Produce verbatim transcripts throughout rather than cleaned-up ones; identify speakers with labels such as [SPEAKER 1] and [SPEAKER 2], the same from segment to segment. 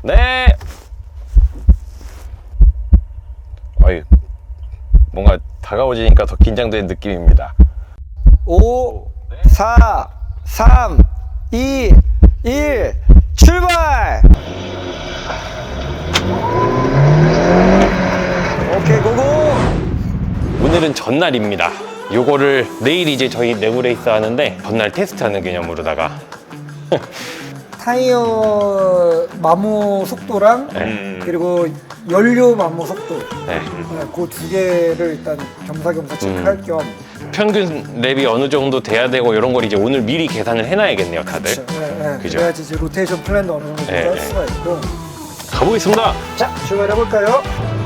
[SPEAKER 1] 네. 어이, 뭔가 다가오지니까 더 긴장되는 느낌입니다.
[SPEAKER 2] 오, 사, 삼, 이, 일, 출발! 오케이, 고고!
[SPEAKER 1] 오늘은 전날입니다. 요거를 내일 이제 저희 내구 레이스 하는데 전날 테스트하는 개념으로다가
[SPEAKER 2] 타이어 마모 속도랑
[SPEAKER 1] 네.
[SPEAKER 2] 그리고 연료 마모 속도
[SPEAKER 1] 네.
[SPEAKER 2] 그 두 개를 일단 겸사겸사 체크할 겸
[SPEAKER 1] 평균 랩이 어느 정도 돼야 되고 이런 걸 이제 오늘 미리 계산을 해놔야겠네요, 다들.
[SPEAKER 2] 그쵸, 네, 네.
[SPEAKER 1] 그죠?
[SPEAKER 2] 그래야지 이제 로테이션 플랜도 어느 정도
[SPEAKER 1] 네,
[SPEAKER 2] 짤
[SPEAKER 1] 네.
[SPEAKER 2] 수가 있고.
[SPEAKER 1] 가보겠습니다.
[SPEAKER 2] 자, 출발해볼까요?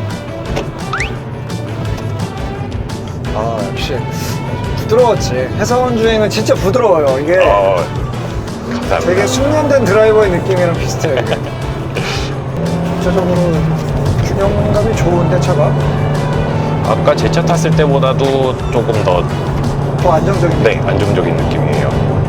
[SPEAKER 2] 아, 역시 부드러웠지. 해서원 주행은 진짜 부드러워요. 이게
[SPEAKER 1] 어, 감사합니다.
[SPEAKER 2] 되게 숙련된 드라이버의 느낌이랑 비슷해요. 이게. 전체적으로 균형감이 좋은데 차가
[SPEAKER 1] 아까 제 차 탔을 때보다도 조금 더
[SPEAKER 2] 더 안정적인.
[SPEAKER 1] 네, 안정적인 느낌이에요.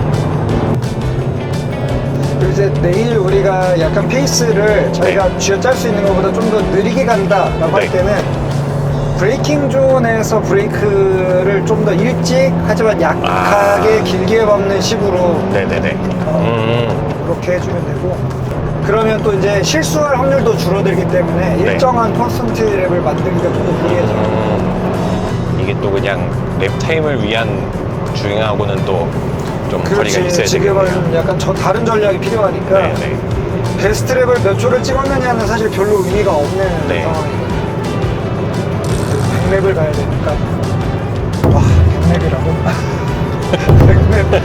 [SPEAKER 2] 그리고 이제 내일 우리가 약간 페이스를 저희가 쥐어짤 수 있는 것보다 좀 더 느리게 간다라고
[SPEAKER 1] 네.
[SPEAKER 2] 할 때는 브레이킹 존에서 브레이크를 좀 더 일찍 하지만 약하게
[SPEAKER 1] 아.
[SPEAKER 2] 길게 밟는 식으로
[SPEAKER 1] 네네네. 음,
[SPEAKER 2] 그렇게 해주면 되고, 그러면 또 이제 실수할 확률도 줄어들기 때문에
[SPEAKER 1] 네.
[SPEAKER 2] 일정한 퍼센트 랩을 만들기가 좀 더 유리해져요.
[SPEAKER 1] 음, 이게 또 그냥 랩 타임을 위한 주행하고는 또 좀 거리가 있어야
[SPEAKER 2] 지금은
[SPEAKER 1] 되겠네요.
[SPEAKER 2] 약간 저 다른 전략이 필요하니까
[SPEAKER 1] 네네.
[SPEAKER 2] 베스트 랩을 몇 초를 찍었느냐는 사실 별로 의미가 없는
[SPEAKER 1] 네.
[SPEAKER 2] 상황이거든요. 백 랩을 가야 되니까. 와, 백 랩이라고? 백 랩.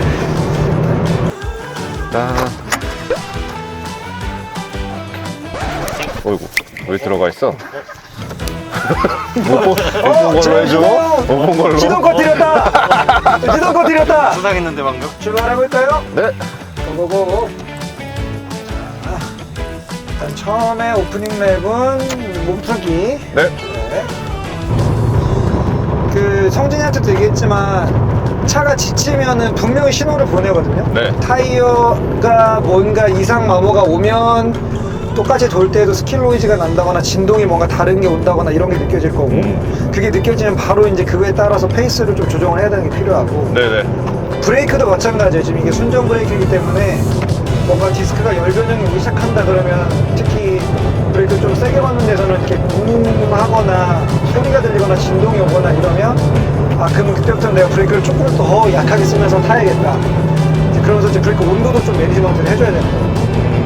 [SPEAKER 1] 짠. 어이구, 왜 들어가 있어? 못 본 걸로 해줘? 못 본 걸로?
[SPEAKER 2] 시동코 들였다! 시동코 들였다!
[SPEAKER 3] 수상했는데 방금?
[SPEAKER 2] 출발해볼까요?
[SPEAKER 1] 네.
[SPEAKER 2] 고고고. 자, 일단 처음에 오프닝 랩은 몸풀기.
[SPEAKER 1] 네.
[SPEAKER 2] 네. 그 성진이한테도 얘기했지만 차가 지치면은 분명히 신호를 보내거든요.
[SPEAKER 1] 네.
[SPEAKER 2] 타이어가 뭔가 이상 마모가 오면 똑같이 돌 때에도 스킬 노이즈가 난다거나 진동이 뭔가 다른 게 온다거나 이런 게 느껴질 거고,
[SPEAKER 1] 음.
[SPEAKER 2] 그게 느껴지면 바로 이제 그거에 따라서 페이스를 좀 조정을 해야 되는 게 필요하고,
[SPEAKER 1] 네네.
[SPEAKER 2] 브레이크도 마찬가지예요. 지금 이게 순정 브레이크이기 때문에 뭔가 디스크가 열 변형이 오기 시작한다 그러면 특히 브레이크 좀 세게 받는 데서는 이렇게 웅 하거나 소리가 들리거나 진동이 오거나 이러면, 아 그러면 그때부터 내가 브레이크를 조금 더 약하게 쓰면서 타야겠다. 이제 그러면서 이제 브레이크 온도도 좀 매니지먼트를 해줘야 되는 거예요.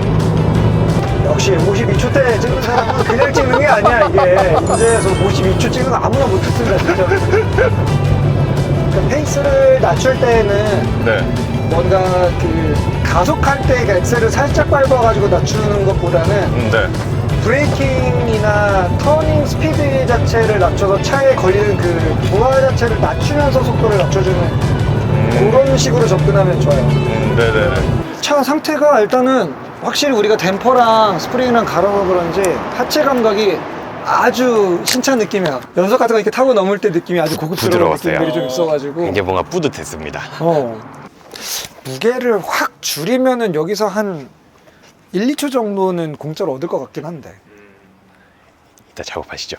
[SPEAKER 2] 역시 오십이 초 때 찍는 사람은 그냥 찍는 게 아니야. 이게 문제에서 오십이 초 찍는 거 아무나 못 찍는다 진짜. 그러니까 페이스를 낮출 때는
[SPEAKER 1] 네.
[SPEAKER 2] 뭔가 그 가속할 때 그 엑셀을 살짝 밟아가지고 낮추는 것보다는
[SPEAKER 1] 음, 네.
[SPEAKER 2] 브레이킹이나 터닝 스피드 자체를 낮춰서 차에 걸리는 그 부하 자체를 낮추면서 속도를 낮춰주는 그런 식으로 접근하면 좋아요.
[SPEAKER 1] 음, 네네네.
[SPEAKER 2] 차 상태가 일단은 확실히 우리가 댐퍼랑 스프링이랑 갈아서 그런지 하체 감각이 아주 신찬 느낌이야. 연석 같은 거 이렇게 타고 넘을 때 느낌이 아주 고급스러운
[SPEAKER 1] 부드러웠어요.
[SPEAKER 2] 느낌들이 좀 있어가지고
[SPEAKER 1] 이제 뭔가 뿌듯했습니다.
[SPEAKER 2] 어. 무게를 확 줄이면은 여기서 한 일, 이 초 정도는 공짜로 얻을 것 같긴 한데.
[SPEAKER 1] 이따 작업하시죠.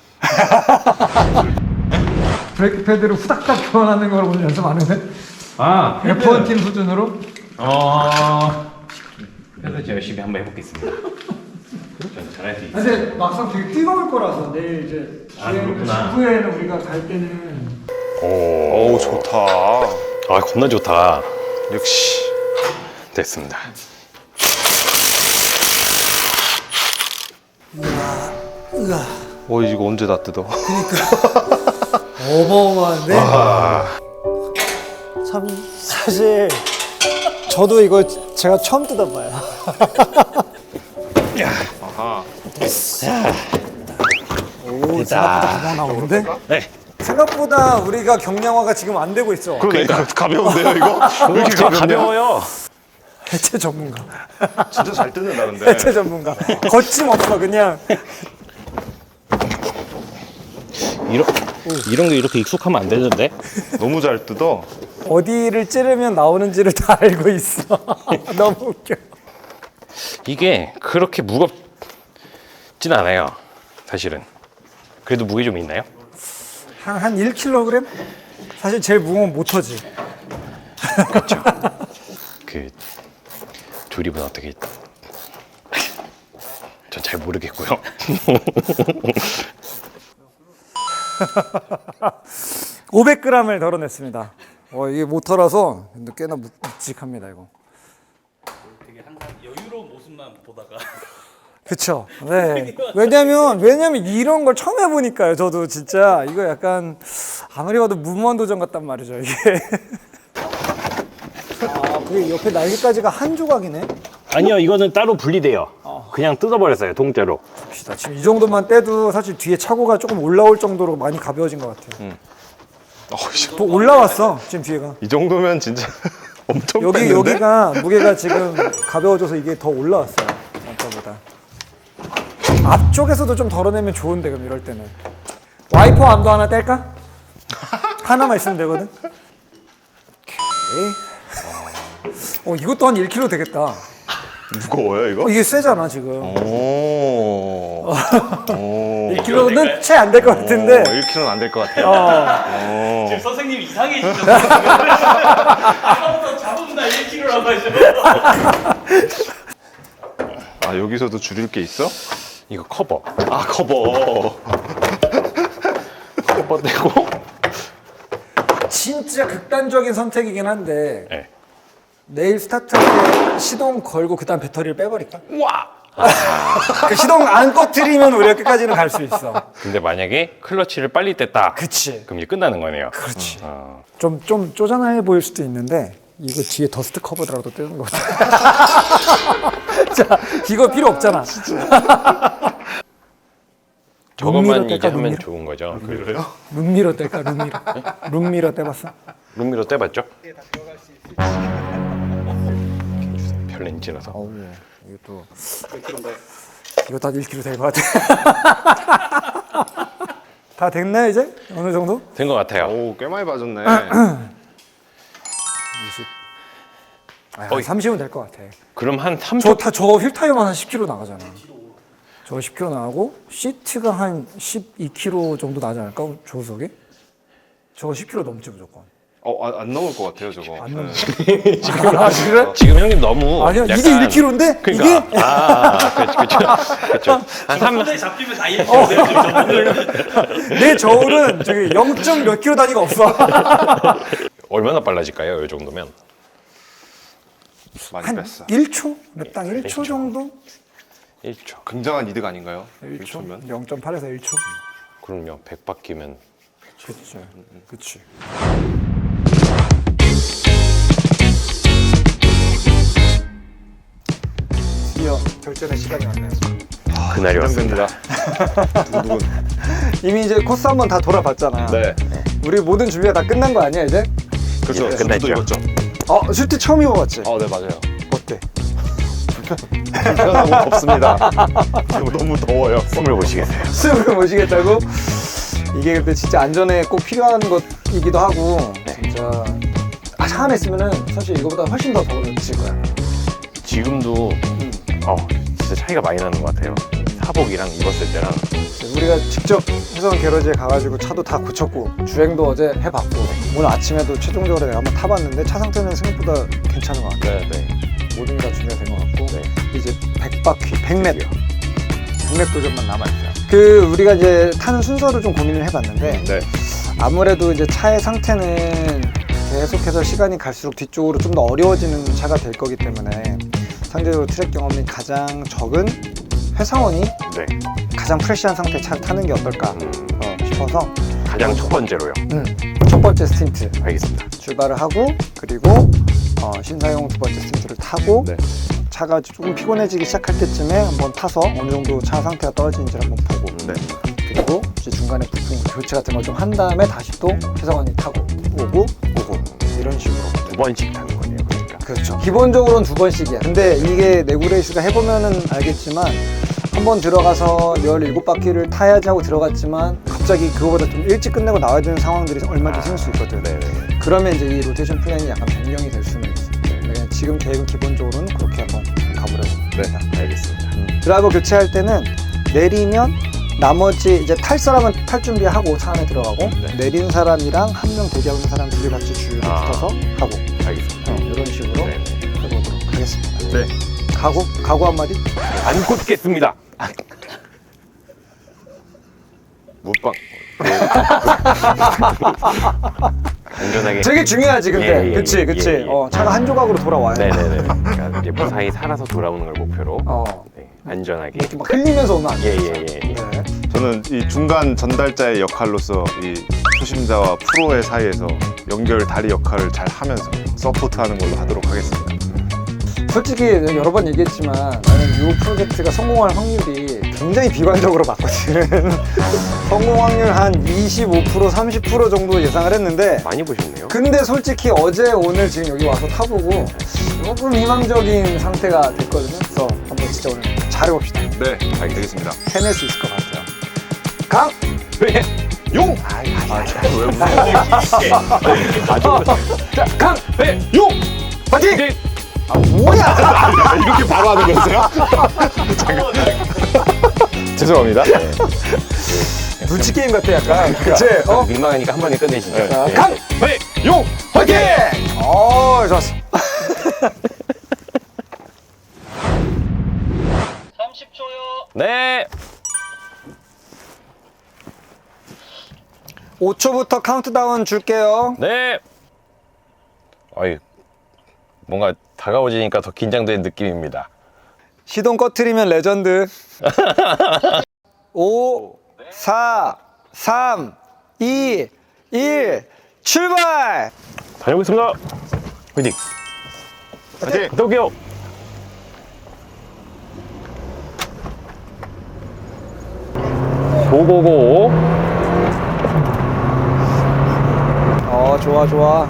[SPEAKER 2] 브레이크 패드를 후닥닥 교환하는 걸 오늘 연습 안 했네?
[SPEAKER 3] 아
[SPEAKER 2] 에프 원 팀 수준으로?
[SPEAKER 3] 어...
[SPEAKER 1] 그래서 제가 열심히 한번 해보겠습니다. 전 잘할 수 있어요.
[SPEAKER 2] 근데 막상 되게 뜨거울 거라서 내일 이제
[SPEAKER 3] 아, 그렇구나.
[SPEAKER 2] 후에는 우리가 갈 때는
[SPEAKER 1] 오,
[SPEAKER 3] 오 좋다.
[SPEAKER 1] 아, 겁나 좋다. 역시 됐습니다.
[SPEAKER 2] 으아
[SPEAKER 3] 어 이거 언제 다 뜯어?
[SPEAKER 2] 어마어마한데? 참 사실 저도 이거 제가 처음 뜯어봐요.
[SPEAKER 3] 아하.
[SPEAKER 2] 오, 생각보다 금방 나오는데?
[SPEAKER 1] 네.
[SPEAKER 2] 생각보다 우리가 경량화가 지금 안 되고 있어.
[SPEAKER 3] 그러니까 가벼운데요 이거? 왜 이렇게
[SPEAKER 1] 진짜
[SPEAKER 3] 가벼운데요?
[SPEAKER 1] 가벼워요.
[SPEAKER 2] 해체 전문가.
[SPEAKER 3] 진짜 잘 뜯는다는데.
[SPEAKER 2] 해체 전문가. 거침없어 그냥.
[SPEAKER 1] 이런 이런 게 이렇게 익숙하면 안 되는데?
[SPEAKER 3] 너무 잘 뜯어.
[SPEAKER 2] 어디를 찌르면 나오는지를 다 알고 있어. 너무 웃겨.
[SPEAKER 1] 이게 그렇게 무겁 무겁진 않아요, 사실은. 그래도 무게 좀 있나요?
[SPEAKER 2] 한, 한 일 킬로그램? 사실 제일 무거운 모터지.
[SPEAKER 1] 그 조립은 어떻게? 전 잘 모르겠고요.
[SPEAKER 2] 오백 그램을 덜어냈습니다. 어, 이게 모터라서 꽤나 묵- 묵직합니다, 이거.
[SPEAKER 4] 되게 항상 여유로운 모습만 보다가
[SPEAKER 2] 그쵸. 네. 왜냐면, 왜냐면 이런 걸 처음 해보니까요. 저도 진짜 이거 약간 아무리 봐도 무모한도전 같단 말이죠, 이게. 아, 그게 옆에 날개까지가 한 조각이네.
[SPEAKER 1] 아니요, 이거는 따로 분리돼요. 그냥 뜯어버렸어요, 통째로.
[SPEAKER 2] 봅시다. 지금 이 정도만 떼도 사실 뒤에 차고가 조금 올라올 정도로 많이 가벼워진 것 같아요.
[SPEAKER 3] 어, 씨.
[SPEAKER 2] 또 올라왔어, 지금 뒤에가.
[SPEAKER 3] 이 정도면 진짜 엄청
[SPEAKER 2] 여기,
[SPEAKER 3] 뺐는데?
[SPEAKER 2] 여기가 무게가 지금 가벼워져서 이게 더 올라왔어요. 아까보다. 앞쪽에서도 좀 덜어내면 좋은데, 그럼 이럴 때는. 와이퍼 암도 하나 뗄까? 하나만 있으면 되거든. 오케이. 어, 이것도 한 일 킬로그램 되겠다.
[SPEAKER 3] 무거워요 이거?
[SPEAKER 2] 어, 이게 세잖아, 지금.
[SPEAKER 3] 오. 오.
[SPEAKER 2] 일 킬로그램은 채 안 될 것 같은데.
[SPEAKER 3] 일 킬로그램은 안 될 것 같아요.
[SPEAKER 2] 어.
[SPEAKER 4] 지금 선생님 이상해지죠. 아까부터 잡으면 일 킬로그램라고 하죠.
[SPEAKER 3] 아 여기서도 줄일 게 있어?
[SPEAKER 1] 이거 커버.
[SPEAKER 3] 아 커버.
[SPEAKER 1] 커버 떼고.
[SPEAKER 2] 진짜 극단적인 선택이긴 한데
[SPEAKER 1] 네.
[SPEAKER 2] 내일 스타트할 때 시동 걸고 그다음 배터리를 빼버릴까?
[SPEAKER 1] 와.
[SPEAKER 2] 그 시동 안 꺼트리면 우리가 끝까지는 갈 수 있어.
[SPEAKER 1] 근데 만약에 클러치를 빨리 뗐다.
[SPEAKER 2] 그치.
[SPEAKER 1] 그럼 이제 끝나는 거네요.
[SPEAKER 2] 그렇지.
[SPEAKER 1] 어.
[SPEAKER 2] 좀, 좀 쪼잔해 보일 수도 있는데 이거 뒤에 더스트 커버라도 떼는 거 같아. 자, 이거 필요 없잖아.
[SPEAKER 1] 저것만
[SPEAKER 2] 룸미러
[SPEAKER 1] 이제
[SPEAKER 2] 뗄까,
[SPEAKER 1] 하면
[SPEAKER 2] 룸미러?
[SPEAKER 1] 좋은 거죠. 그
[SPEAKER 3] 그래요?
[SPEAKER 2] 룸미러 뗄까, 룸미러. 룸미러 떼봤어?
[SPEAKER 1] 룸미러 떼봤죠? 별렌지라서.
[SPEAKER 2] 어우, 이것도. 이거 다 일 킬로그램 될 것 같아. 다 됐나요, 이제? 어느 정도?
[SPEAKER 1] 된 것 같아요.
[SPEAKER 3] 오, 꽤 많이 빠졌네.
[SPEAKER 2] 아,
[SPEAKER 1] 어이.
[SPEAKER 2] 삼십은 될 것 같아.
[SPEAKER 1] 그럼 한 삼
[SPEAKER 2] 저,
[SPEAKER 1] 초.
[SPEAKER 2] 타, 저 휠 타이어만 한 십 킬로그램 나가잖아. 저 십 킬로그램 나가고 시트가 한 십이 킬로그램 정도 나지 않을까? 조수석에? 저거 십 킬로그램 넘지 무조건.
[SPEAKER 3] 어, 안, 안 넘을 것 같아요 저거.
[SPEAKER 2] 안 넘어.
[SPEAKER 3] 네.
[SPEAKER 2] 아, 그래?
[SPEAKER 1] 지금 형님 너무.
[SPEAKER 2] 아니야, 이게
[SPEAKER 1] 약간-
[SPEAKER 2] 일 킬로그램인데?
[SPEAKER 1] 그러니까.
[SPEAKER 2] 이게?
[SPEAKER 1] 아, 그렇죠, 그렇죠. 그렇죠. 한 삼.
[SPEAKER 4] 손에 잡히면 다 일 킬로그램.
[SPEAKER 2] 내 저울은 저기 영 점 몇 킬로 단위가 없어.
[SPEAKER 1] 얼마나 빨라질까요? 이 정도면.
[SPEAKER 3] 많이
[SPEAKER 2] 한
[SPEAKER 3] 뺐어.
[SPEAKER 2] 일 초? 딱 일 초 정도?
[SPEAKER 1] 일 초.
[SPEAKER 3] 굉장한 이득 아닌가요?
[SPEAKER 2] 일 초?
[SPEAKER 3] 일 초면?
[SPEAKER 2] 영 점 팔에서 일 초?
[SPEAKER 1] 그럼요. 백 바퀴면.
[SPEAKER 2] 그치. 그치. 드디어 결전의 시간이 왔네요.
[SPEAKER 1] 그날이 왔습니다.
[SPEAKER 3] 두분.
[SPEAKER 2] 이미 이제 코스 한번 다 돌아봤잖아.
[SPEAKER 3] 네.
[SPEAKER 2] 우리 모든 준비가 다 끝난 거 아니야 이제?
[SPEAKER 3] 그렇죠.
[SPEAKER 1] 예,
[SPEAKER 3] 수트도
[SPEAKER 1] 끝났죠.
[SPEAKER 3] 입었죠.
[SPEAKER 2] 어, 슈트 처음 입어봤지?
[SPEAKER 3] 어, 네 맞아요.
[SPEAKER 2] 어때?
[SPEAKER 3] 불편하고 덥습니다. 너무 더워요.
[SPEAKER 1] 숨을 보시겠어요.
[SPEAKER 2] 숨을 모시겠다고? 이게 근데 진짜 안전에 꼭 필요한 것이기도 하고 진짜 아, 차 안에 있으면은 사실 이거보다 훨씬 더 더워질 거야.
[SPEAKER 1] 지금도 어, 진짜 차이가 많이 나는 것 같아요. 사복이랑 입었을 때랑.
[SPEAKER 2] 우리가 직접 해성 게러지에 가가지고 차도 다 고쳤고 주행도 어제 해봤고 오늘 아침에도 최종적으로 내가 한번 타봤는데 차 상태는 생각보다 괜찮은 것 같아.
[SPEAKER 1] 네, 네.
[SPEAKER 2] 모든 게 다 준비가 된 것 같고
[SPEAKER 1] 네.
[SPEAKER 2] 이제 백 바퀴, 백 랩 백 랩 도전만 남아있어요. 그 우리가 이제 타는 순서를 좀 고민을 해봤는데
[SPEAKER 3] 네.
[SPEAKER 2] 아무래도 이제 차의 상태는 계속해서 시간이 갈수록 뒤쪽으로 좀 더 어려워지는 차가 될 거기 때문에 상대적으로 트랙 경험이 가장 적은 회사원이
[SPEAKER 1] 네.
[SPEAKER 2] 가장 프레시한 상태에 차를 타는 게 어떨까 어, 싶어서
[SPEAKER 1] 가장 첫 번째로요.
[SPEAKER 2] 음, 첫 번째 스틴트
[SPEAKER 1] 알겠습니다.
[SPEAKER 2] 출발을 하고 그리고 어, 신사용 두 번째 스틴트를 타고
[SPEAKER 3] 네.
[SPEAKER 2] 차가 조금 피곤해지기 시작할 때쯤에 한번 타서 어느 정도 차 상태가 떨어지는지를 한번 보고
[SPEAKER 3] 네.
[SPEAKER 2] 그리고 이제 중간에 부품 교체 같은 걸 좀 한 다음에 다시 또 회사원이 타고 오고 오고 이런 식으로
[SPEAKER 1] 두 번씩 타는 거네요. 그러니까.
[SPEAKER 2] 그렇죠. 기본적으로는 두 번씩이야. 근데 이게 내구레이스가 해보면은 알겠지만 한 번 들어가서 열일곱 바퀴를 타야지 하고 들어갔지만 갑자기 그거보다 좀 일찍 끝내고 나와야 되는 상황들이 얼마든지 생길 수 있거든.
[SPEAKER 1] 네네.
[SPEAKER 2] 그러면 이제 이 로테이션 플랜이 약간 변경이 될 수는 있어요. 그냥 지금 계획은 기본적으로는 그렇게 한번 가보려고
[SPEAKER 1] 네,
[SPEAKER 2] 합니다.
[SPEAKER 1] 알겠습니다.
[SPEAKER 2] 드라이버 교체할 때는 내리면 나머지 이제 탈 사람은 탈 준비하고 차 안에 들어가고
[SPEAKER 1] 네.
[SPEAKER 2] 내린 사람이랑 한 명 대기하고 있는 사람 둘이 같이 줄
[SPEAKER 1] 아.
[SPEAKER 2] 붙어서 가고
[SPEAKER 1] 알겠습니다.
[SPEAKER 2] 어, 이런 식으로
[SPEAKER 1] 네.
[SPEAKER 2] 해보도록 하겠습니다.
[SPEAKER 3] 네.
[SPEAKER 2] 각오? 각오 한마디?
[SPEAKER 1] 안 꽂겠습니다.
[SPEAKER 3] 못방.
[SPEAKER 1] 안전하게.
[SPEAKER 2] 되게 중요하지 근데
[SPEAKER 1] 예, 예,
[SPEAKER 2] 그치
[SPEAKER 1] 예,
[SPEAKER 2] 그치
[SPEAKER 1] 예, 예.
[SPEAKER 2] 어, 차가 한 조각으로 돌아와요.
[SPEAKER 1] 네네네. 그러니까 이제 무사히 살아서 돌아오는 걸 목표로
[SPEAKER 2] 어.
[SPEAKER 1] 네, 안전하게.
[SPEAKER 2] 이렇게 막 흘리면서 오면 안 돼.
[SPEAKER 1] 예예예. 예, 예.
[SPEAKER 2] 네.
[SPEAKER 3] 저는 이 중간 전달자의 역할로서 이 초심자와 프로의 사이에서 연결 다리 역할을 잘 하면서 서포트하는 걸로 하도록 하겠습니다.
[SPEAKER 2] 솔직히 여러 번 얘기했지만 나는 이 프로젝트가 성공할 확률이 굉장히 비관적으로 봤거든. 성공 확률 한 이십오 퍼센트, 삼십 퍼센트 정도 예상을 했는데
[SPEAKER 1] 많이 보셨네요.
[SPEAKER 2] 근데 솔직히 어제 오늘 지금 여기 와서 타보고 조금 희망적인 상태가 됐거든요. 그래서 한번 진짜 오늘 잘해봅시다.
[SPEAKER 3] 네, 알겠습니다.
[SPEAKER 2] 해낼 수 있을 것 같아요. 강!
[SPEAKER 1] 네.
[SPEAKER 3] 용!
[SPEAKER 2] 아이, 아이, 아이.
[SPEAKER 3] 왜 무슨
[SPEAKER 2] 자, 강!
[SPEAKER 1] 네.
[SPEAKER 2] 용! 파이팅!
[SPEAKER 1] 네.
[SPEAKER 2] 아, 뭐야!
[SPEAKER 3] 이렇게 바로 하는 거세요? 죄송합니다.
[SPEAKER 2] 눈치 게임 같아, 약간. 그치? 어?
[SPEAKER 1] 민망하니까 한 번에 끝내시죠.
[SPEAKER 2] 자,
[SPEAKER 1] 네.
[SPEAKER 2] 강!
[SPEAKER 1] 네.
[SPEAKER 3] 용!
[SPEAKER 2] 화이팅! 어, 좋았어.
[SPEAKER 4] 삼십 초요.
[SPEAKER 1] 네.
[SPEAKER 2] 오 초부터 카운트다운 줄게요.
[SPEAKER 1] 네. 아이, 뭔가 다가오지니까 더 긴장되는 느낌입니다.
[SPEAKER 2] 시동 꺼트리면 레전드. 오, 사, 삼, 이, 일, 출발!
[SPEAKER 1] 다녀오겠습니다. 화이팅.
[SPEAKER 3] 화이팅!
[SPEAKER 1] 갔다 올게요. 고고고.
[SPEAKER 2] 어, 좋아, 좋아.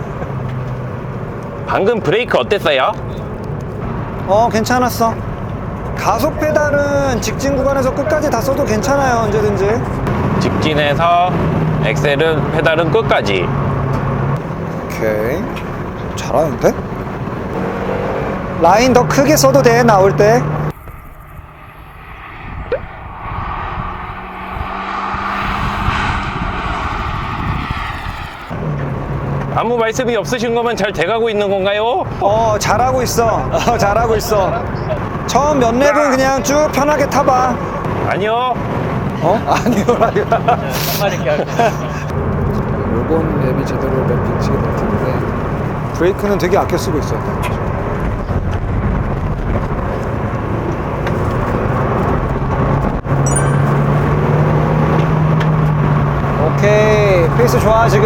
[SPEAKER 1] 방금 브레이크 어땠어요?
[SPEAKER 2] 어, 괜찮았어. 가속 페달은 직진 구간에서 끝까지 다 써도 괜찮아요, 언제든지.
[SPEAKER 1] 직진해서 엑셀은 페달은 끝까지.
[SPEAKER 2] 오케이. 잘하는데? 라인 더 크게 써도 돼, 나올 때.
[SPEAKER 1] 아무 말씀이 없으신 거면 잘 돼가고 있는 건가요?
[SPEAKER 2] 어, 잘하고 있어. 어, 잘하고 있어. 처음 몇 랩은 그냥 쭉 편하게 타봐.
[SPEAKER 1] 아니요.
[SPEAKER 2] 어? 아니요라고.
[SPEAKER 4] 한마디 할게요.
[SPEAKER 2] 요번 랩이 제대로 랩 빅치게 될 텐데 브레이크는 되게 아껴 쓰고 있어요. 오케이, 페이스 좋아 지금.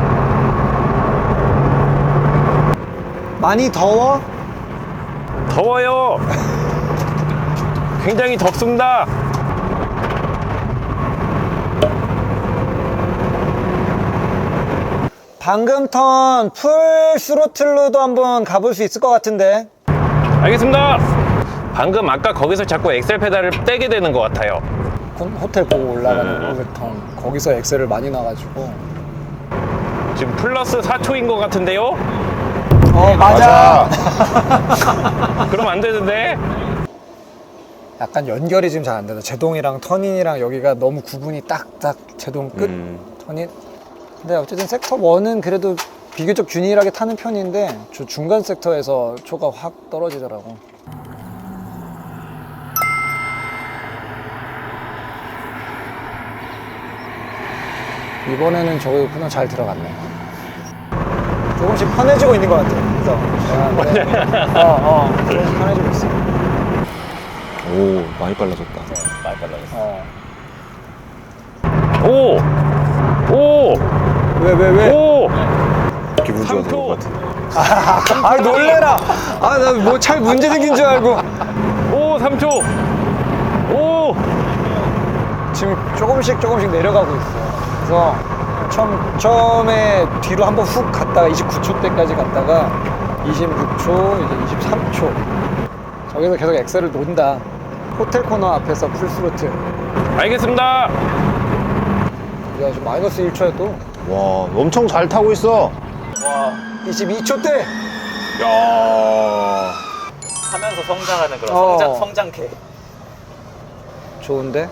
[SPEAKER 2] 많이 더워?
[SPEAKER 1] 더워요. 굉장히 덥습니다.
[SPEAKER 2] 방금 턴 풀 스로틀로도 한번 가볼 수 있을 것 같은데.
[SPEAKER 1] 알겠습니다. 방금 아까 거기서 자꾸 엑셀 페달을 떼게 되는 것 같아요.
[SPEAKER 2] 호텔 보고 올라가는
[SPEAKER 1] 네.
[SPEAKER 2] 오백턴 거기서 엑셀을 많이 놔가지고.
[SPEAKER 1] 지금 플러스 사 초인 것 같은데요?
[SPEAKER 2] 어, 맞아.
[SPEAKER 1] 그럼 안 되는데?
[SPEAKER 2] 약간 연결이 지금 잘 안 돼서 제동이랑 터닝이랑 여기가 너무 구분이 딱딱 제동 끝
[SPEAKER 3] 음.
[SPEAKER 2] 터닝. 근데 어쨌든 섹터 일은 그래도 비교적 균일하게 타는 편인데 저 중간 섹터에서 초가 확 떨어지더라고. 이번에는 저거 그냥 잘 들어갔네. 조금씩 편해지고 있는 것 같아. 그래서 아, 그래. 어, 어, 조금씩 편해지고 있어.
[SPEAKER 3] 오, 많이 빨라졌다.
[SPEAKER 1] 많이 빨라졌어.
[SPEAKER 2] 어.
[SPEAKER 1] 오! 오!
[SPEAKER 2] 왜, 왜, 왜?
[SPEAKER 1] 오!
[SPEAKER 3] 기분
[SPEAKER 1] 삼
[SPEAKER 3] 좋아서
[SPEAKER 1] 초.
[SPEAKER 3] 그런 것 같은데.
[SPEAKER 2] 아, 놀래라. 아, 나 뭐 잘 문제 생긴 줄 알고.
[SPEAKER 1] 오! 삼 초! 오!
[SPEAKER 2] 지금 조금씩 조금씩 내려가고 있어. 그래서 처음, 처음에 뒤로 한번 훅 갔다가 이십구 초 때까지 갔다가 이십육 초, 이제 이십삼 초. 저기서 계속 엑셀을 논다. 호텔 코너 앞에서 풀스로틀.
[SPEAKER 1] 알겠습니다.
[SPEAKER 2] 야, 지금 마이너스 일 초야 또.
[SPEAKER 3] 와, 엄청 잘 타고 있어.
[SPEAKER 4] 와,
[SPEAKER 2] 이십이 초 때.
[SPEAKER 3] 야.
[SPEAKER 4] 하면서 성장하는 그런
[SPEAKER 2] 어.
[SPEAKER 4] 성장 성장캐.
[SPEAKER 2] 좋은데?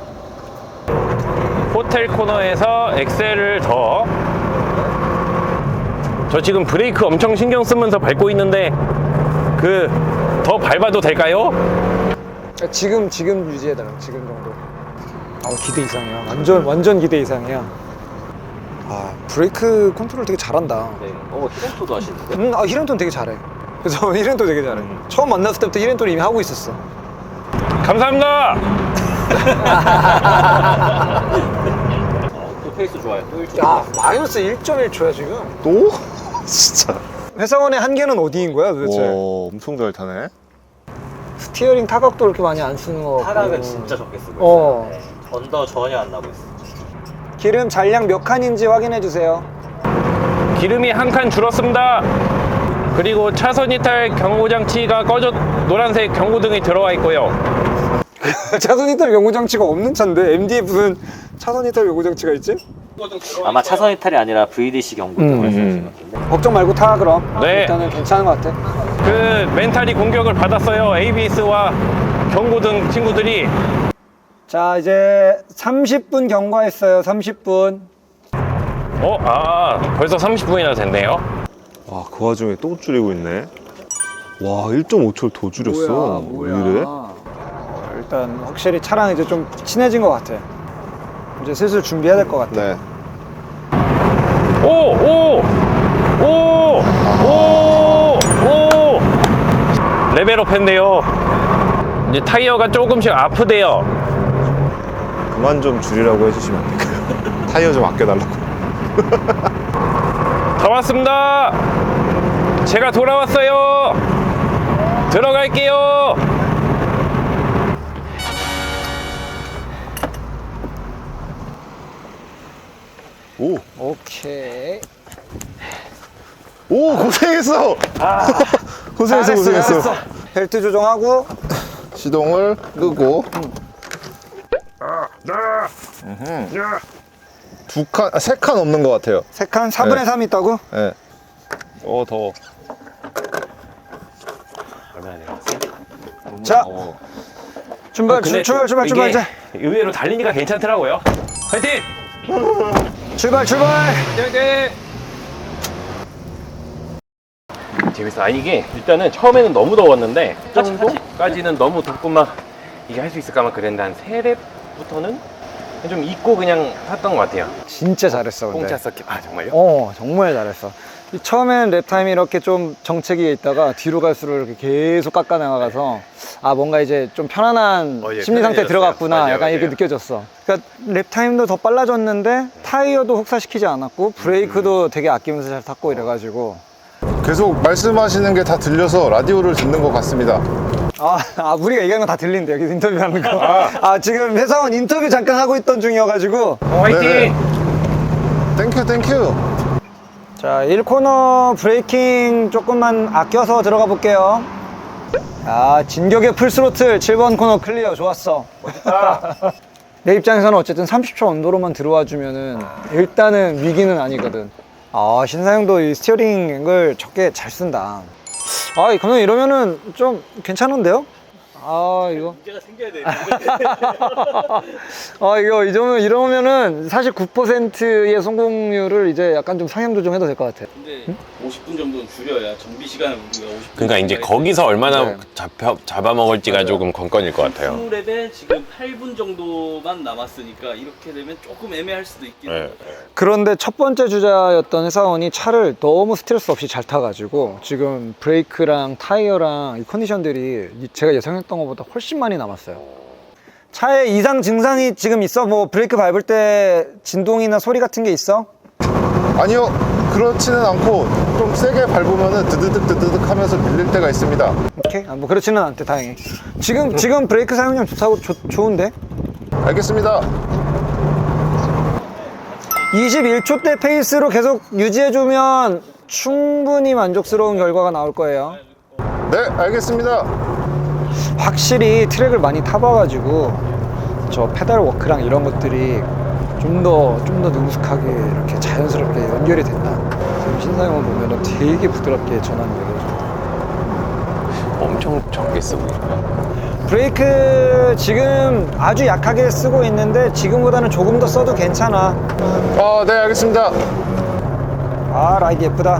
[SPEAKER 1] 호텔 코너에서 엑셀을 더. 저 지금 브레이크 엄청 신경 쓰면서 밟고 있는데 그 더 밟아도 될까요?
[SPEAKER 2] 지금 지금 유지해달라. 지금 정도. 아 기대 이상이야. 완전 완전 기대 이상이야. 아 브레이크 컨트롤 되게 잘한다.
[SPEAKER 5] 네. 어, 히렌토도 하시는데?
[SPEAKER 2] 음, 아 히렌토는 되게 잘해. 그래서 히렌토 되게 잘해. 처음 만났을 때부터 히렌토를 이미 하고 있었어.
[SPEAKER 1] 감사합니다.
[SPEAKER 5] 어, 또 페이스 좋아요. 또 일 초.
[SPEAKER 2] 야 마이너스 일 점 일 초야 지금.
[SPEAKER 3] 또? 진짜.
[SPEAKER 2] 회사원의 한계는 어디인 거야 도대체?
[SPEAKER 3] 와, 엄청 잘 타네.
[SPEAKER 2] 스티어링 타각도 그렇게 많이 안 쓰는 거 같고.
[SPEAKER 5] 타락은 진짜 적게 쓰고
[SPEAKER 2] 어.
[SPEAKER 5] 있어요. 네. 언더 전혀 안 나고 있어요.
[SPEAKER 2] 기름 잔량 몇 칸인지 확인해 주세요.
[SPEAKER 1] 기름이 한 칸 줄었습니다. 그리고 차선 이탈 경고장치가 꺼져 노란색 경고등이 들어와 있고요.
[SPEAKER 2] 차선 이탈 경고 장치가 없는 차인데 엠디에 무슨 차선 이탈 경고 장치가 있지?
[SPEAKER 5] 아마 차선 이탈이 아니라 브이디씨 경고 등을
[SPEAKER 1] 음,
[SPEAKER 5] 말씀하시는
[SPEAKER 1] 음.
[SPEAKER 5] 것 같은데.
[SPEAKER 2] 걱정 말고 타 그럼.
[SPEAKER 1] 네.
[SPEAKER 2] 일단은 괜찮은 것 같아.
[SPEAKER 1] 그 멘탈이 공격을 받았어요. 에이비에스와 경고등 친구들이.
[SPEAKER 2] 자 이제 삼십 분 경과했어요. 삼십 분.
[SPEAKER 1] 어, 아, 벌써 삼십 분이나 됐네요.
[SPEAKER 3] 와, 그 와중에 또 줄이고 있네. 와, 일 점 오 초를 더 줄였어. 왜 이래?
[SPEAKER 2] 어, 일단 확실히 차랑 이제 좀 친해진 것 같아. 이제 슬슬 준비해야 될 것 같아.
[SPEAKER 3] 네.
[SPEAKER 1] 오, 오, 오, 오, 오. 레벨업 했네요. 이제 타이어가 조금씩 아프대요.
[SPEAKER 3] 그만 좀 줄이라고 해주시면 안 될까요? 타이어 좀 아껴달라고.
[SPEAKER 1] 다 왔습니다. 제가 돌아왔어요. 들어갈게요.
[SPEAKER 3] 오,
[SPEAKER 2] 오케이.
[SPEAKER 3] 오, 고생했어. 고생했어,
[SPEAKER 2] 잘했어,
[SPEAKER 3] 고생했어.
[SPEAKER 2] 잘했어. 벨트 조정하고.
[SPEAKER 3] 시동을 끄고. 두 칸, 아, 세 칸 없는 것 같아요.
[SPEAKER 2] 세 칸 사분의
[SPEAKER 3] 네.
[SPEAKER 2] 삼 있다고?
[SPEAKER 3] 네.
[SPEAKER 1] 어, 더워. 얼마나 내려갔어?
[SPEAKER 2] 자
[SPEAKER 1] 어.
[SPEAKER 2] 출발
[SPEAKER 1] 근데
[SPEAKER 2] 출, 출발 출발
[SPEAKER 1] 이게
[SPEAKER 2] 이제
[SPEAKER 1] 의외로 달리니까 괜찮더라고요. 화이팅!
[SPEAKER 2] 출발 출발.
[SPEAKER 1] 재밌어. 아 이게 일단은 처음에는 너무 더웠는데 그 정도까지는 너무 덥고만 이게 할 수 있을까만 그랬는데 한 세 랩부터는 좀 잊고 그냥 탔던 것 같아요.
[SPEAKER 2] 진짜 잘했어 근데.
[SPEAKER 1] 공차 서킷. 아 정말요?
[SPEAKER 2] 어 정말 잘했어. 이 처음엔 랩타임이 이렇게 좀 정체기에 있다가 뒤로 갈수록 이렇게 계속 깎아 나가서 아 뭔가 이제 좀 편안한
[SPEAKER 1] 어, 예,
[SPEAKER 2] 심리 상태에
[SPEAKER 1] 편해졌어요.
[SPEAKER 2] 들어갔구나
[SPEAKER 1] 맞아요,
[SPEAKER 2] 약간 이렇게
[SPEAKER 1] 맞아요.
[SPEAKER 2] 느껴졌어. 그러니까 랩타임도 더 빨라졌는데 타이어도 혹사시키지 않았고 브레이크도 되게 아끼면서 잘 탔고 이래가지고
[SPEAKER 3] 계속 말씀하시는 게 다 들려서 라디오를 듣는 것 같습니다.
[SPEAKER 2] 아, 아 우리가 얘기하는 거 다 들린대 여기서 인터뷰하는 거. 아 지금 회사원 인터뷰 잠깐 하고 있던 중이어가지고.
[SPEAKER 1] 어, 화이팅!
[SPEAKER 3] 네네. 땡큐, 땡큐.
[SPEAKER 2] 자, 일 코너 브레이킹 조금만 아껴서 들어가 볼게요. 아, 진격의 풀스로틀 칠 번 코너 클리어. 좋았어. 내 입장에서는 어쨌든 삼십 초 언더로만 들어와 주면은 일단은 위기는 아니거든. 아, 신사영도 이 스티어링 앵글 적게 잘 쓴다. 아, 이 감독님 이러면은 좀 괜찮은데요? 아, 이거.
[SPEAKER 5] 문제가 생겨야 돼.
[SPEAKER 2] 아, 이거 이러면, 이러면은 사십구 퍼센트의 성공률을 이제 약간 좀 상향 조정해도 될 것 같아.
[SPEAKER 4] 근데 오십 분 정도는 줄여야 정비 시간을 우리가 오십 분.
[SPEAKER 1] 그러니까 이제 거기서 얼마나
[SPEAKER 2] 네.
[SPEAKER 1] 잡혀, 잡아먹을지가
[SPEAKER 4] 맞아요.
[SPEAKER 1] 조금 관건일 것 같아요.
[SPEAKER 4] 이십 랩에 지금 팔 분 정도만 남았으니까 이렇게 되면 조금 애매할 수도 있긴
[SPEAKER 1] 네.
[SPEAKER 4] 해요.
[SPEAKER 2] 그런데 첫 번째 주자였던 회사원이 차를 너무 스트레스 없이 잘 타가지고 지금 브레이크랑 타이어랑 이 컨디션들이 이- 제가 예상했던 것보다 훨씬 많이 남았어요. 차에 이상 증상이 지금 있어? 뭐 브레이크 밟을 때 진동이나 소리 같은 게 있어?
[SPEAKER 3] 아니요, 그렇지는 않고 좀 세게 밟으면 드드득 드드득 하면서 밀릴 때가 있습니다.
[SPEAKER 2] 오케이. 아, 뭐 그렇지는 않대 다행히. 지금 지금 브레이크 사용량 좋다고 좋, 좋은데?
[SPEAKER 3] 알겠습니다.
[SPEAKER 2] 이십일 초대 페이스로 계속 유지해주면 충분히 만족스러운 결과가 나올 거예요.
[SPEAKER 3] 네, 알겠습니다.
[SPEAKER 2] 확실히 트랙을 많이 타봐가지고 저 페달 워크랑 이런 것들이 좀 더 좀 더 능숙하게 이렇게 자연스럽게 연결이 된다. 지금 신사영을 보면 되게 부드럽게 전환이 되어져.
[SPEAKER 1] 엄청 적게 쓰고 있어요.
[SPEAKER 2] 브레이크 지금 아주 약하게 쓰고 있는데 지금보다는 조금 더 써도 괜찮아.
[SPEAKER 3] 어, 네, 알겠습니다.
[SPEAKER 2] 아, 라이드 예쁘다.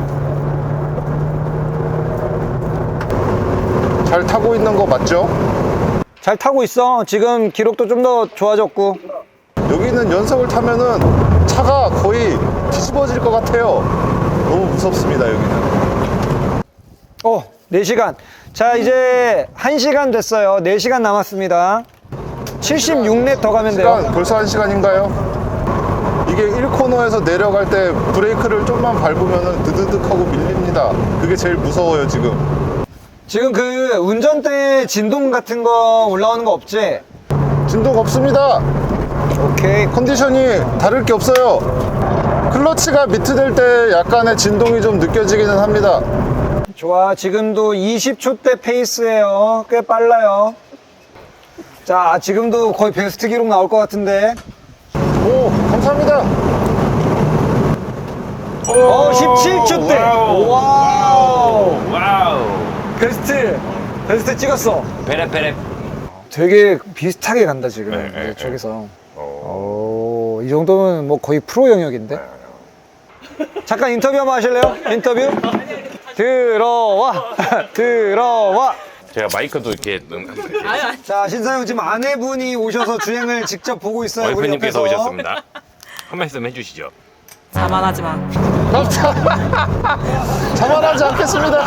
[SPEAKER 3] 잘 타고 있는 거 맞죠?
[SPEAKER 2] 잘 타고 있어. 지금 기록도 좀 더 좋아졌고.
[SPEAKER 3] 여기는 연석을 타면은 차가 거의 뒤집어질 것 같아요. 너무 무섭습니다, 여기는.
[SPEAKER 2] 어, 네 시간. 자, 이제 한 시간 됐어요. 네 시간 남았습니다. 칠십육 렙 더 가면 돼요.
[SPEAKER 3] 시간, 벌써 한 시간인가요? 이게 일 코너에서 내려갈 때 브레이크를 좀만 밟으면은 드드득하고 밀립니다. 그게 제일 무서워요, 지금.
[SPEAKER 2] 지금 그 운전대 진동 같은 거 올라오는 거 없지?
[SPEAKER 3] 진동 없습니다.
[SPEAKER 2] 오케이.
[SPEAKER 3] 컨디션이 다를 게 없어요. 클러치가 미트될 때 약간의 진동이 좀 느껴지기는 합니다.
[SPEAKER 2] 좋아. 지금도 이십 초대 페이스예요. 꽤 빨라요. 자, 지금도 거의 베스트 기록 나올 것 같은데.
[SPEAKER 3] 오, 감사합니다.
[SPEAKER 2] 어, 십칠 초대.
[SPEAKER 1] 와우.
[SPEAKER 2] 와우.
[SPEAKER 1] 와우.
[SPEAKER 2] 베스트. 베스트 찍었어.
[SPEAKER 1] 베레 베레.
[SPEAKER 2] 되게 비슷하게 간다, 지금.
[SPEAKER 1] 네, 네,
[SPEAKER 2] 네, 저기서.
[SPEAKER 1] 어.
[SPEAKER 2] 오, 이 정도면 뭐 거의 프로 영역인데? 잠깐 인터뷰 한번 하실래요? 인터뷰? 들어와! 들어와!
[SPEAKER 1] 제가 마이크도 이렇게 음,
[SPEAKER 2] 자, 신사영 지금 아내분이 오셔서 주행을 직접 보고 있어요. 우리
[SPEAKER 1] 와이프님께서
[SPEAKER 2] 옆에서.
[SPEAKER 1] 오셨습니다. 한 말씀 해주시죠.
[SPEAKER 6] 자만하지 마.
[SPEAKER 3] 자만하지 않겠습니다.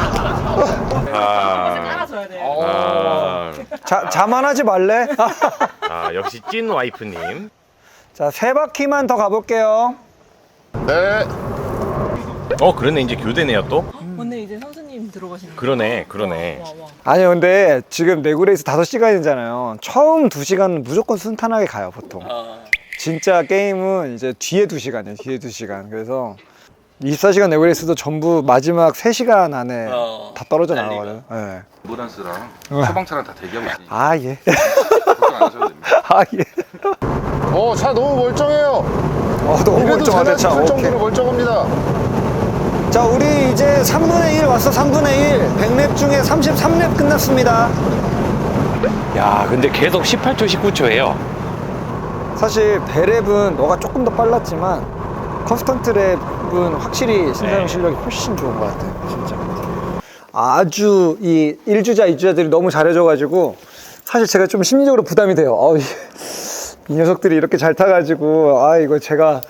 [SPEAKER 1] 아,
[SPEAKER 6] 따라줘야 돼.
[SPEAKER 1] 아,
[SPEAKER 2] 자, 자만하지 말래?
[SPEAKER 1] 아, 역시 찐 와이프님.
[SPEAKER 2] 자, 세 바퀴만 더 가볼게요.
[SPEAKER 3] 네.
[SPEAKER 1] 어, 그러네. 이제 교대네요 또.
[SPEAKER 6] 오늘 이제 선수님 들어가시는 거.
[SPEAKER 1] 그러네, 그러네.
[SPEAKER 6] 와, 와.
[SPEAKER 2] 아니, 근데 지금 내구레이스 다섯 시간이잖아요. 처음 두 시간은 무조건 순탄하게 가요, 보통.
[SPEAKER 4] 아,
[SPEAKER 2] 진짜 게임은 이제 뒤에 두 시간이에요, 뒤에 두 시간. 그래서 이십사 시간 내구레이스도 전부 마지막 세 시간 안에
[SPEAKER 4] 어,
[SPEAKER 2] 다 떨어져
[SPEAKER 4] 달리가.
[SPEAKER 2] 나가거든요. 네.
[SPEAKER 7] 앰뷸런스랑
[SPEAKER 2] 어.
[SPEAKER 7] 소방차랑 다 대기하고 있으니까
[SPEAKER 2] 아, 예.
[SPEAKER 7] 걱정 안 하셔도 됩니다.
[SPEAKER 2] 아, 예.
[SPEAKER 3] 어, 차 너무 멀쩡해요.
[SPEAKER 2] 어, 너무
[SPEAKER 3] 이래도
[SPEAKER 2] 멀쩡하다, 차.
[SPEAKER 3] 있을
[SPEAKER 2] 오케이.
[SPEAKER 3] 정도로 멀쩡합니다.
[SPEAKER 2] 자, 우리 이제 삼분의 일 왔어, 삼분의 일. 백 렙 중에 삼십삼 렙 끝났습니다.
[SPEAKER 1] 야, 근데 계속 십팔 초, 십구 초예요.
[SPEAKER 2] 사실 배랩은 너가 조금 더 빨랐지만 컨스턴트 랩은 확실히 신사영
[SPEAKER 1] 네.
[SPEAKER 2] 실력이 훨씬 좋은 것 같아, 진짜. 아주 이 일 주자, 이 주자들이 너무 잘해줘가지고 사실 제가 좀 심리적으로 부담이 돼요. 어, 이, 이 녀석들이 이렇게 잘 타가지고 아, 이거 제가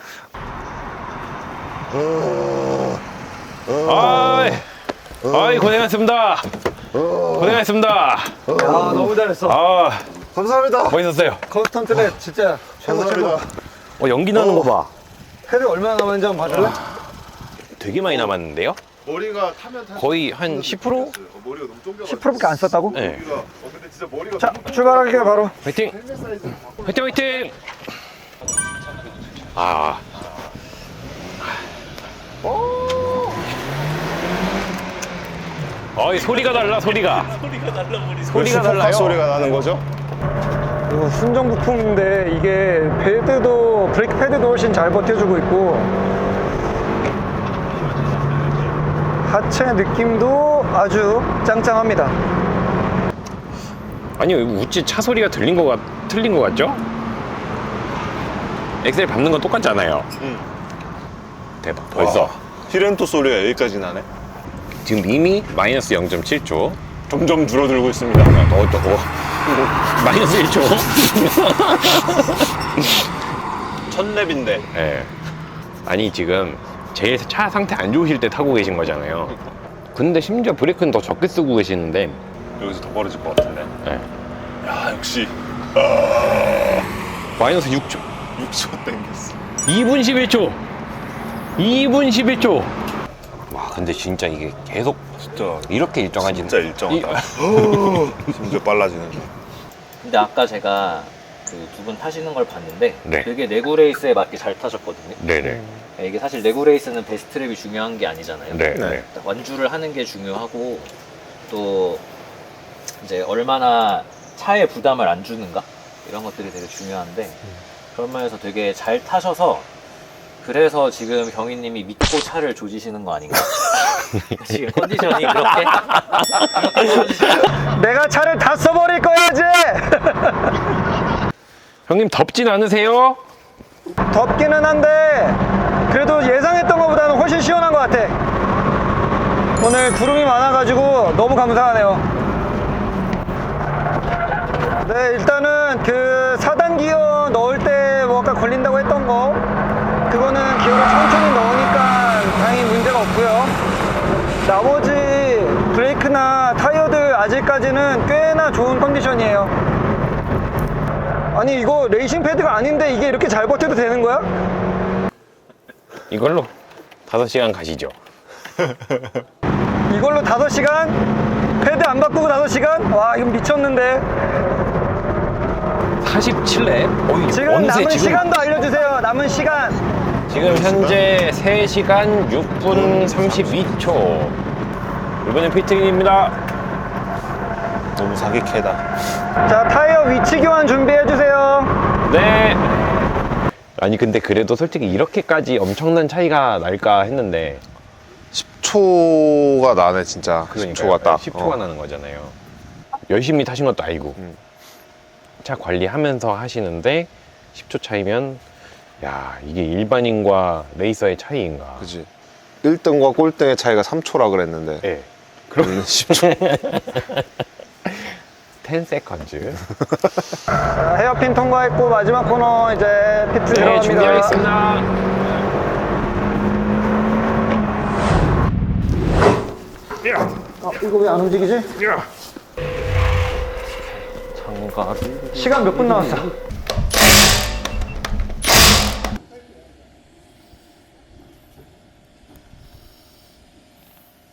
[SPEAKER 1] 아이, 아이 고생하셨습니다. 고생하셨습니다.
[SPEAKER 2] 야, 너무 잘했어.
[SPEAKER 1] 아,
[SPEAKER 3] 감사합니다.
[SPEAKER 1] 멋있었어요.
[SPEAKER 2] 컨스턴트 랩 진짜 최고 최고.
[SPEAKER 3] 감사합니다.
[SPEAKER 1] 어, 연기 나는 거 봐.
[SPEAKER 2] 헤드 얼마나 남았는지 한번 봐줄래?
[SPEAKER 1] 되게 많이 남았는데요?
[SPEAKER 3] 머리가 타면 탈
[SPEAKER 1] 거의 한 십 퍼센트?
[SPEAKER 3] 머리가 너무 쫑겨.
[SPEAKER 2] 십 퍼센트밖에 안 썼다고?
[SPEAKER 1] 네.
[SPEAKER 3] 어, 근데 진짜 머리가
[SPEAKER 2] 자, 출발할게요, 바로.
[SPEAKER 1] 화이팅! 화이팅, 화이팅! 아. 어이, 소리가 달라, 소리가.
[SPEAKER 4] 소리가 달라버리네.
[SPEAKER 1] 소리가 달라요.
[SPEAKER 3] 소리가 나는 거죠?
[SPEAKER 2] 이거 순정 부품인데 이게 패드도 브레이크 패드도 훨씬 잘 버텨주고 있고 하체 느낌도 아주 짱짱합니다.
[SPEAKER 1] 아니, 우찌 차 소리가 들린 거 같, 틀린 거 같죠? 엑셀 밟는 건 똑같잖아요.
[SPEAKER 3] 응.
[SPEAKER 1] 대박, 벌써.
[SPEAKER 3] 와, 히렌토 소리가 여기까지 나네.
[SPEAKER 1] 지금 이미 마이너스 영 점 칠 초.
[SPEAKER 3] 점점 줄어들고 있습니다.
[SPEAKER 1] 어, 또, 어. 마이너스 일 초.
[SPEAKER 3] 첫 랩인데.
[SPEAKER 1] 예. 아니, 지금 제일 차 상태 안 좋으실 때 타고 계신 거잖아요. 근데 심지어 브레이크는 더 적게 쓰고 계시는데.
[SPEAKER 3] 여기서 더 벌어질 것 같은데.
[SPEAKER 1] 예.
[SPEAKER 3] 야, 역시
[SPEAKER 1] 마이너스 육 초.
[SPEAKER 3] 육 초 땡겼어.
[SPEAKER 1] 이 분 십일 초. 이 분 십일 초. 와, 근데 진짜 이게 계속
[SPEAKER 3] 진짜
[SPEAKER 1] 이렇게 일정하지.
[SPEAKER 3] 진짜 일정하다. 심지어 빨라지는.
[SPEAKER 5] 근데 아까 제가 그 두 분 타시는 걸 봤는데
[SPEAKER 1] 네.
[SPEAKER 5] 되게 내구레이스에 맞게 잘 타셨거든요.
[SPEAKER 1] 네네.
[SPEAKER 5] 이게 사실 내구레이스는 베스트 랩이 중요한 게 아니잖아요.
[SPEAKER 1] 네.
[SPEAKER 2] 네.
[SPEAKER 1] 네.
[SPEAKER 5] 완주를 하는 게 중요하고 또 이제 얼마나 차에 부담을 안 주는가 이런 것들이 되게 중요한데 그런 면에서 되게 잘 타셔서 그래서 지금 경희님이 믿고 차를 조지시는 거 아닌가? 지금 컨디션이 그렇게
[SPEAKER 2] 내가 차를 다 써버릴 거야지.
[SPEAKER 1] 형님 덥진 않으세요?
[SPEAKER 2] 덥기는 한데 그래도 예상했던 것보다는 훨씬 시원한 것 같아. 오늘 구름이 많아가지고 너무 감사하네요. 네, 일단은 그 사 단 기어 넣을 때 뭐가 걸린다고 했던 거, 그거는 기어를 천천히 넣으니까 다행히 문제가 없고요. 나머지 브레이크나 타이어들 아직까지는 꽤나 좋은 컨디션이에요. 아니 이거 레이싱 패드가 아닌데 이게 이렇게 잘 버텨도 되는 거야?
[SPEAKER 1] 이걸로 다섯 시간 가시죠.
[SPEAKER 2] 이걸로 다섯 시간? 패드 안 바꾸고 다섯 시간? 와, 이건 미쳤는데.
[SPEAKER 1] 사십칠 랩? 어이,
[SPEAKER 2] 지금
[SPEAKER 1] 어느새
[SPEAKER 2] 남은
[SPEAKER 1] 지금,
[SPEAKER 2] 시간도 알려주세요. 남은 시간.
[SPEAKER 1] 지금 현재 세 시간 육 분 삼십이 초. 이번엔 피트인입니다.
[SPEAKER 3] 너무 사기캐다.
[SPEAKER 2] 자, 타이어 위치 교환 준비해주세요.
[SPEAKER 1] 네. 아니 근데 그래도 솔직히 이렇게까지 엄청난 차이가 날까 했는데
[SPEAKER 3] 십 초가 나네 진짜. 십 초가 딱.
[SPEAKER 1] 십 초가
[SPEAKER 3] 어.
[SPEAKER 1] 나는 거잖아요. 열심히 타신 것도 아니고
[SPEAKER 3] 음.
[SPEAKER 1] 차 관리하면서 하시는데 십 초 차이면 야 이게 일반인과 레이서의 차이인가.
[SPEAKER 3] 그지. 일 등과 꼴등의 차이가 삼 초라 그랬는데.
[SPEAKER 1] 네.
[SPEAKER 3] 그러면 십 초.
[SPEAKER 1] 십 세컨즈.
[SPEAKER 2] 자, 헤어핀 통과했고 마지막 코너 이제 피트
[SPEAKER 1] 네,
[SPEAKER 2] 들어갑니다.
[SPEAKER 1] 준비하겠습니다.
[SPEAKER 2] 어, 이거 왜 안 움직이지?
[SPEAKER 1] 장가를
[SPEAKER 2] 시간 몇 분 남았어?